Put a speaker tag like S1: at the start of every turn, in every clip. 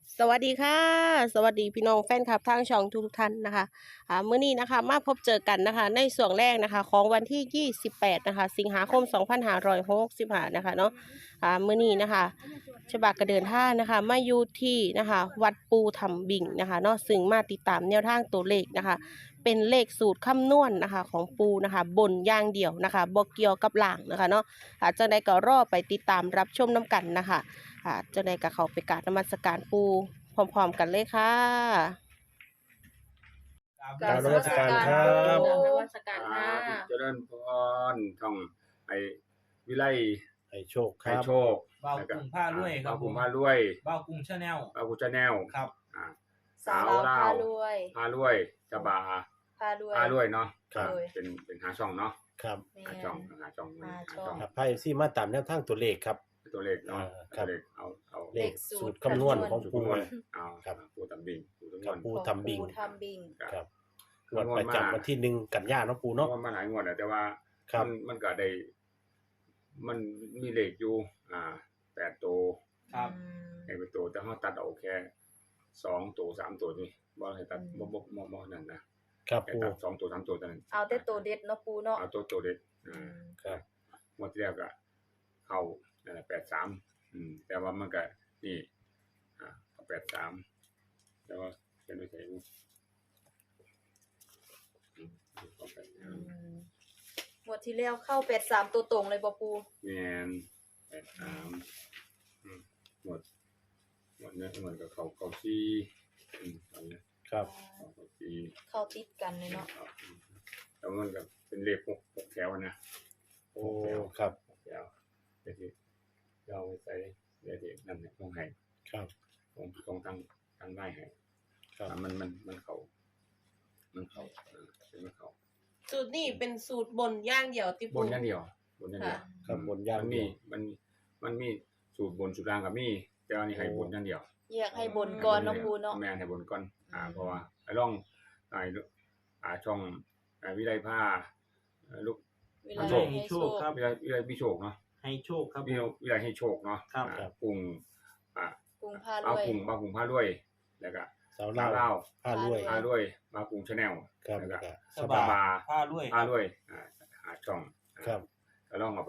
S1: สวัสดีค่ะสวัสดีพี่น้องแฟนคลับทางช่องทุกท่านนะคะมื้อนี้นะคะมาพบเจอกันนะคะในส่วนแรกนะคะของวันที่28นะคะสิงหาคม2565นะคะเนาะมื้อนี้นะคะฉบับกระเดินท่างนะคะมาอยู่ที่นะคะวัดปูทำบิ่งนะคะเนาะซึ่งมาติดตามแนวทางตัวเลขนะคะเป็นเลขสูตรคำนวณนะคะของปูนะคะบนอย่างเดียวนะคะบ่เกี่ยวกับล่างนะคะเนาะจังใดก็รอไปติดตามรับชมน้ำกันนะคะจังใดก็เข้าไปกราบนมัสการปูพร้อมๆกันเลยค่ะ
S2: กราบนมัสการครับ
S1: กราบนมัสการค่ะ
S2: เจริญพรท่องไอ้วิไล
S3: ให้โชคค
S2: ให้
S3: รับ
S2: โชค
S4: บ่าวกรุงผ้ารวยครับ
S2: บ่าวกรุงผ้ารวย
S4: บ่าวกรุงชาแนล
S2: บ่าวกรุงชาแนล
S4: ครับ
S2: สาวลาว
S5: พารวย
S2: ผ้ารวยจะบา
S5: พารวย
S2: ผ้ารวยเนาะ
S3: ครับ
S2: เป็นหาช่องเนาะ
S3: ครับ
S5: แม่
S2: หาช่องหาช่อง
S5: หา
S2: หา
S5: ช่
S2: ช่
S5: อ
S2: อง ง
S3: ครับไพ่ซี่มาตามแนวทางตัวเลขครับ
S2: ตัวเลขเนาะ
S3: ครั
S2: ตัว
S3: บ
S2: เลขเอา
S3: เลขสูตรคำนวณของ
S2: สูตร
S3: ปู
S2: คำนวณเอา
S3: ครับ
S2: ปูตำบิงปูตำน
S3: ครั
S2: ว
S3: บ
S2: ณ
S3: ปูทำบิ่ง
S5: ปูทำบิง
S3: ครับงวดประจำวันที่1 กันยายนเนาะปู
S2: เพ
S3: เนาะ
S2: ราะว่ามันหลายงวดแล้วแต่ว่า
S3: ครับ
S2: มันก็ได้มันมีเลขอยู่8ตัว
S4: ครับ
S2: ให้เป็นตัวแต่เฮาตัดเอาแค่2ตัว3ตัวนี่บ่ให้ตัดบ่นั่นนะครับ แค่
S3: ปู
S2: ตัด2ตัว3ตัวเท่านั้น
S5: เอาแต่ตัวเด็ดเนาะปูเนาะ
S2: เอาตัวเด็ด
S3: ครับ
S2: งวดที่แล้วก็เข้านั่นแหละ83แต่ว่ามันก็นี่เอา83แต่ว่าเขียนไว้ใส่นี่เอาไป
S5: งวดที่แล้วเข้า83ตัวตรงเลยบ่ปู
S2: แม่น83หมดเนี่ยมันก็เข้า4ตอนนี้
S3: ครับ
S2: เข้า4
S5: เข้าติดกันเลยเนาะ
S2: แล้วมันก็เป็นเลข6แถวนะ
S3: โอ้ครับ
S2: 6แถวเดี๋ยวที่เราไปใส่เดี๋ยวที่นั่นเนี่ยต้องให้
S3: ครับ
S2: ต้องตั้งได้ให้
S3: ครับ
S2: มันเข้าเป็นมันเข้า
S1: สูตรนี้เป็นสูตรบนอย่างเดียวที่
S2: บ
S1: ปู
S2: นอย่างเดียวบนอย่างเดียว
S3: ครับบนอย่างเดียว
S2: มันมีสูตรบนสูตรล่างกับมีแต่อันนี้ให้บนอย่างเดียว
S5: แยกให้บนก่อนเนาะปูเนาะ
S2: แม่นให้บนก่อนเพราะว่าไอ้ร่องช่องวิไลผ้าลูก
S5: เวลา
S2: โชค
S5: ให้โชค
S4: ครับ
S2: วิไลพี่โชคเนาะ
S4: ให้โชคครับ
S2: วิไลให้โชคเนาะ
S4: ครับ
S2: กรุง
S5: ปูพาร
S2: เอา
S5: วย
S2: กรุงมาผ้ารวยแล้วก็
S3: สาว
S2: ลา
S3: เล่าว
S2: ว
S3: ผ้ารวย
S2: ผ้ารวยมากรุงชาแนล
S3: ครับ
S2: แล้ว
S3: แล้ว
S2: ก็
S3: ก็
S4: ส
S3: ส
S4: บา
S3: บาย
S4: ผ้ารวย
S2: ผ้ารวยหาช่อง
S3: ครับ
S2: ก็ลองเอาไป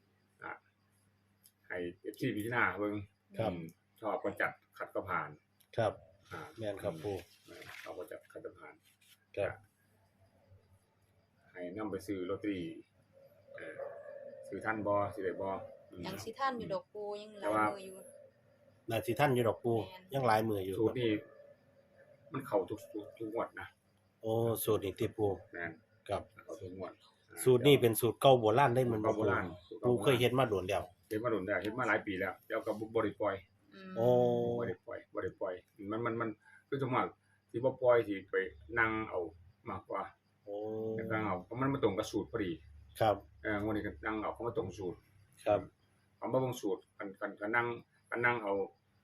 S2: ให้ FC พิจารณาเบิ่ง
S3: ครับ
S2: ชอบก็จัดขัดก็ผ่าน
S3: ครับ
S2: อ่า
S3: แม่นครับปู
S2: ชอบก็จัดขัดก็ผ่าน
S3: ครับ
S2: ให้นำไปซื้อลอตเตอรี่ซื้อท่านบ่สิได้บ่
S5: ยังสิท่านอยู่ดอกปูยังหลายมืออยู่
S3: นาทีท่านอยู่ดอกปู
S5: แม่น
S3: ยังหลายมืออยู่
S2: สูตรนี้มันเข้าทุกงวดนะ
S3: โอ้สูตรนี้ที่ปู
S2: แม่น
S3: ครับ
S2: เข้าทุกงวด
S3: สูตรนี้เป็นสูตรเก่าโบราณได้เหมือน
S2: โบราณ
S3: ปูเคยเฮ็ดมาโดนแล้ว
S2: เฮ็ดมาโดนแล้วเฮ็ดมาหลายปีแล้วแล้วก็บ่ได้ปล่อย
S3: โอ้
S2: บ่ได้ปล่อยมันคือสมมติสิบ่ปล่อยสิไปนั่งเอามากกว่า
S3: โอ้
S2: นั่งเอาเพราะมันมาตรงกับสูตรพอดี
S3: ครับ
S2: งวดนี้ก็นั่งเอาเพราะมาตรงสูตร
S3: ครับ
S2: เอามาเบิ่งสูตรกันนั่งเอา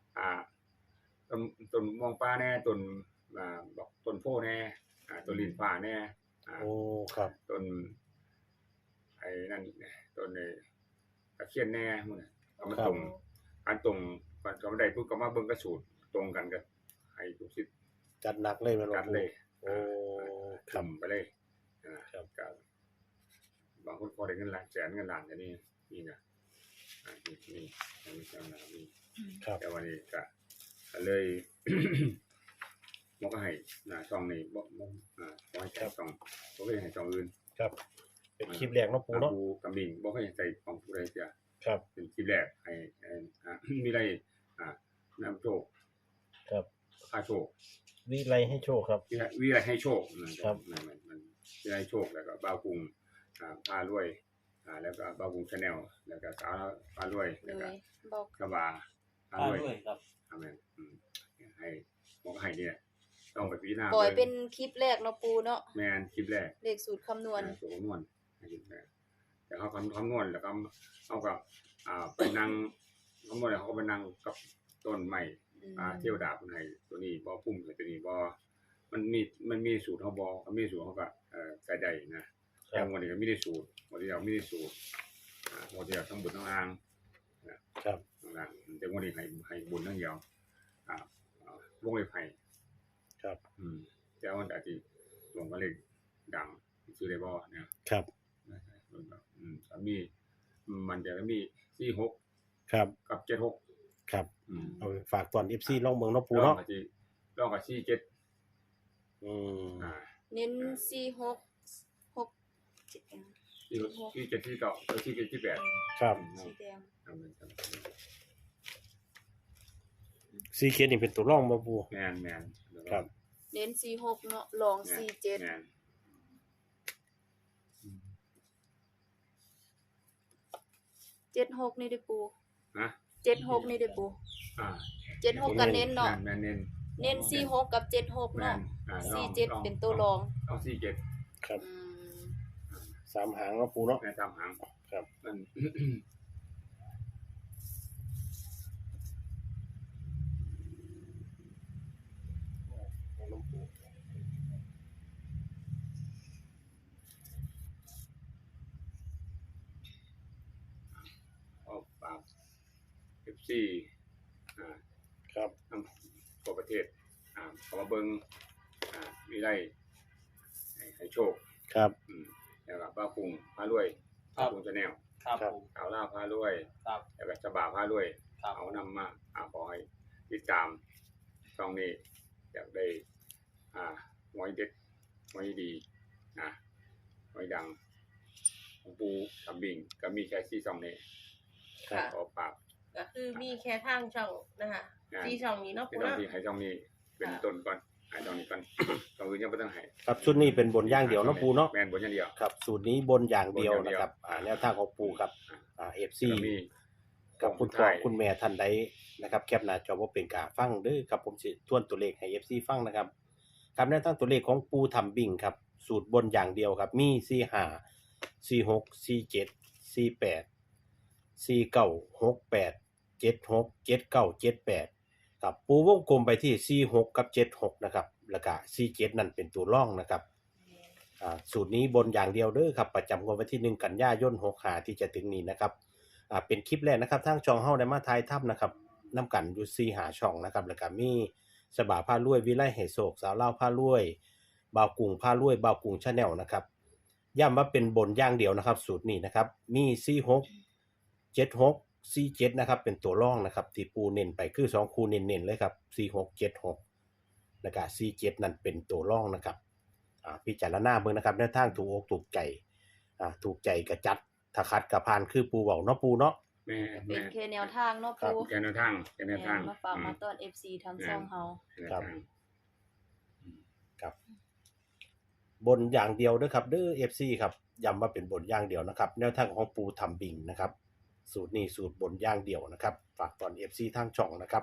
S2: ต้นมองฟ้าแน่ต้นบอกต้นโพแน่ต้นลิ้นฟ้าแน่
S3: โอ้ครับ
S2: ต้นไอ้นั่นต้นตะเคียนแน่หมดน่ะเอามาตรงการตรงก่อนก็ได้ปุ๊บก็มาเบิ่งกับสูตรตรงกันก็ให้ทุกสิทธิ์
S3: จัดหนักเลยแมันบ่
S2: กัน
S3: ปู
S2: เลย
S3: โอ้ครับ
S2: ทำไปเลยนะครับกับบางคนพอได้เงินล้านแสนเงินล้านอย่างนี้นี่นะนี่มีจังหวะนี้
S3: ครับ
S2: แต่วันนี้ก็เลย มันก็ให้ช่องนี้บ่ให้ใส่ช่องบ่ให้ให้ช่องอื่น
S3: ครับ เป็นคลิปแรกเนาะปูเนาะ
S2: ปูกำลิงบ่ให้ใส่ของผู้ใดเสีย
S3: ครับ
S2: เป็นคลิปแรกให้มีอะไรนำโชค
S3: ครับ
S2: ค่าโชค
S3: วิไลให้โชคครับ
S2: วิอะไรให้โชค
S3: ครับ
S2: มันวิไรโชคแล้วก็บ้าวกรุงพารวยแล้วก็บ้าวกรุงชาแนลแล้วก็สาวพารวย
S5: เล
S2: แล้วก็
S5: ยบอก
S2: กบาพา
S4: ผ้าร
S2: วย
S4: รวยครับ
S2: อาเมนให้บอกให้เนี่ยต้องไปพิจารณา
S5: ปล่อยเป็นคลิปแรกเนาะปูเนาะ
S2: แมนคลิปแรก
S5: เลขสูตรคำนวณ
S2: สูงนวลแต่เขาคำนวณแล้วก็เอากับไปนั่งคำนวณแล้วเขาก็ไปนั่งกับต้นใหม่เที่ยวดาบคนไทยตัวนี้บ่พุ่มตัวนี้บ่มันมีสูตรเขาบ่เขามีสูตรเขาก็ใส่ได้นะแต่วันนี้ก็ไม่ได้สูตรวันที่เราไม่ได้สูตรวันที่เราทั้งบุญทั้งล่าง
S3: ครับ
S2: ทั้งล่างแต่วันนี้ให้บุญทั้งเดียววงเล็บให้
S3: ครับ
S2: แต่ว่าอาจสิตรงกับเลขดังซื้อได้บ่เนี่ย
S3: ครับ
S2: สามีมันจะมี46
S3: ครับ
S2: กับ76
S3: ครับ
S2: อืม
S3: เอาไปฝากตอน FC ลองเบิ่งเนาะปู
S2: ลอง
S3: เนาะ
S2: กับ47
S3: อืม
S5: เน้น46
S2: 47ที่เก่า47
S3: ครับ
S5: สีแดง
S3: ซีเคสนี่เป็นตัวร่องบ่ปู
S2: แม่น
S3: ครับ
S5: เน้น46เนาะลอง47
S2: แม่น
S5: 76นี่เด้อปู
S2: ฮะ
S5: 76นี่เด้อปู
S2: อ่า
S5: 76ก็เน้นเนาะ
S2: แม่นเน้น
S5: เน้น46กับ76
S2: แม่
S5: เนาะ
S2: น
S5: 47เป็นตัวรอง
S2: เอา47
S3: ครับ
S5: อืม
S3: 3 หางเนาะปูเนาะ
S2: แม่นตามหาง
S3: ครับ
S2: มัน ออกปาก FC
S3: ครับ
S2: ทั่วประเทศเขามาเบิ่งวิไลให้โชค
S3: ครับ
S2: แล้วก็ป้าปุงพารวย
S4: ครับ
S2: ป้าปุงชาแนล
S4: ครับผม
S2: สาวลาวพารวย
S4: ครับ
S2: แล้วก็ฉบาพารวย
S4: ครับ
S2: เอานำมาขอให้ติดตามช่องนี้อยากได้หวยเด็ดหวยดีหวยดังของปูทำบิ่งก็มีแค่4ช่องนี้
S1: ค่ะ
S2: ขอฝาก
S1: ก็คือมีแค่ทางช่องนะคะ
S2: งาน
S1: ที่ช่องนี้เนาะ
S2: เป็น
S1: ปู
S2: ช่อง
S1: เนาะ
S2: ที่ให้ช่องนี้เป็นต้นก่อนให้ช่องนี้ก่อน ช่องอื่นยังบ่ต้องให้
S3: ครับชุดนี้เป็นบนอย่างเดียวเนาะปูเนาะ
S2: แม่นบนอย่างเดียว
S3: ครับสูตรนี้บนอย่างเดียว
S2: บนอย่างเดี
S3: นะ
S2: ยว
S3: ครับแนวทางของปูครับFC
S2: ก็มี
S3: กับคุณพ่อคุณแม่ท่านใดนะครับแคปหน้าจอบ่เป็นกาฟังเด้อครับผมสิทวนตัวเลขให้ FC ฟังนะครับครับแนวทางตัวเลขของปูทำบิ่งครับสูตรบนอย่างเดียวครับมี45 46 47 48 49 68 76 79 78ครับปูวงกลมไปที่46กับ76นะครับแล้วก็47นั่นเป็นตัวร่องนะครับสูตรนี้บนอย่างเดียวเด้อครับประจำงวดวันที่1กันยายน65ที่จะถึงนี้นะครับเป็นคลิปแรกนะครับทางช่องเฮาได้มาถ่ายทำนะครับนำกันอยู่4หาช่องนะครับแล้วก็มีฉบาพารวยวิไลให้โศกสาวลาวพารวยบ่าวกุ้งพารวยบ่าวกุ้ง Channel นะครับย้ำว่าเป็นบนอย่างเดียวนะครับสูตรนี้นะครับมี46 76 47นะครับเป็นตัวร่องนะครับที่ปูเน้นไปคือ2คู่เน้นๆเลยครับ46 76แล้วก็47นั่นเป็นตัวร่องนะครับพิจารณาเบิ่งนะครับแนวทางถูกอกถูกใจถูกใจก็จัดถ้าคัดก็ผ่านคือปูเว้าเนาะปูเนาะ
S2: แม่
S5: เป็นแค่แนวทางเนาะปู
S2: แกนแนวทาง
S5: มาฝากมาต้อน FC ทางช่องเฮา
S3: ครับ ครับบนอย่างเดียวเด้อครับเด้อ FC ครับย้ำว่าเป็นบนอย่างเดียวนะครับแนวทางของปูทำบิงนะครับสูตรนี้สูตรบนอย่างเดียวนะครับฝากตอน FC ทางช่องนะครับ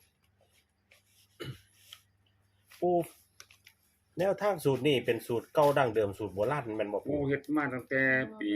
S3: ปูแนวทางสูตรนี้เป็นสูตรเก่าดั้งเดิมสูตรโบราณแม่นบ่
S2: ปู
S3: ปู
S2: เฮ็ดมาตั้งแต่ปี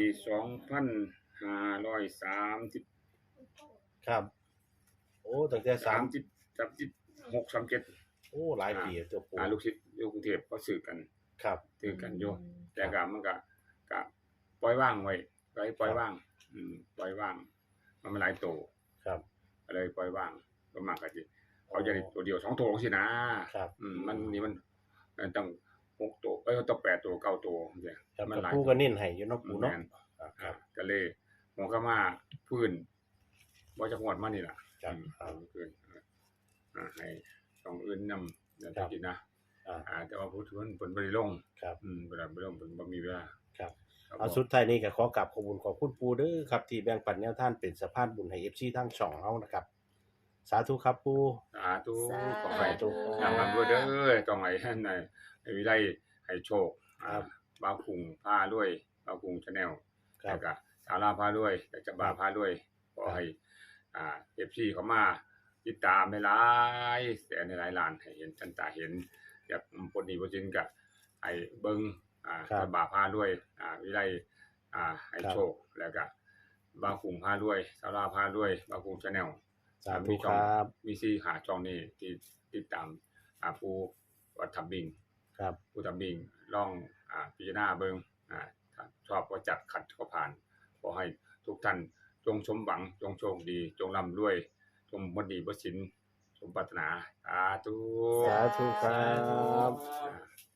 S2: 2530
S3: ครับโอ้ตั้งแต่
S2: 36 37
S3: โอ้หลายปีแล้วตัวปู
S2: ลูกศิษย์อยู่กรุงเทพก็ซื้อกัน
S3: ครับ
S2: ซื้อกันอยู่แต่ก็มันก็ปล่อยว่างไว้ปล่อยว่างปล่อยว่างมันหลายโต
S3: ครับ
S2: ก็เลยปล่อยว่างประมาณก็สิเขาจะได้ตัวเดียว2ตัวสินะครับ มันนี่มันต้อง6ตัวต้อง8ตัว9ตัวจังซี่
S3: ครับ
S2: มันหลาย
S3: ปูก็เน้นให้อยู่เนาะปู
S2: แม่
S3: เนาะ
S2: น
S3: ครับ
S2: ก็เลยหัวก็มาพื้นบ่จักงวดมานี่ล่ะ
S3: ครับ
S2: พื้นให้ช่องอื่นนำอย่าง
S3: ครับ
S2: ที่นะ
S3: อ่า
S2: แต่ว่าผู้ทุนเพิ่นบ่ได้ลง
S3: ครับ
S2: เวลาบ่ลงเพิ่นบ่มีเวลา
S3: ครับ
S2: ครับ
S3: เอาสุดท้ายนี้ก็ขอกราบขอบคุณขอบคุณปูเด้อครับที่แบ่งปันแนวทางเป็นสะพานบุญให้ FC ทั้งช่องเฮานะครับสาธุครับปู
S2: สาธุ
S5: สา
S2: ขอให้
S5: ธุ
S2: นำมาด้วยเด้อต้องให้ให้วิไลให้โชค
S3: ครับ
S2: บ่าวคุงพาด้วยบ่าวคุง Channel
S3: ครั
S2: แล้
S3: บ
S2: วก็สาวลาวพาด้วยแต่จะบาพาด้วยขอให้FC เขามาติดตามหลายๆแสนหลายล้านให้เห็นทันตาเห็นอยากปลดหนี้ปลดสินก็ให้เบิ่งสบาพาด้วยวิไลให้โชคแล้วก็บ่าวคุงพาด้วยสาวลาวพาด้วยบ่าวคุง Channel
S3: สาธุครับ
S2: มีซี่หาช่องนี้ที่ติดตามผู้วัดทำบิง
S3: ครับ
S2: ผู้ทำบิงลองพิจารณาเบิ่งถ้าชอบก็จัดขัดก็ผ่านขอให้ทุกท่านจงสมหวังจงโชคดีจงร่ำรวยจงบ่ดีบ่สินสมปรารถนาสาธุ
S3: สาธุครับ
S2: อ่า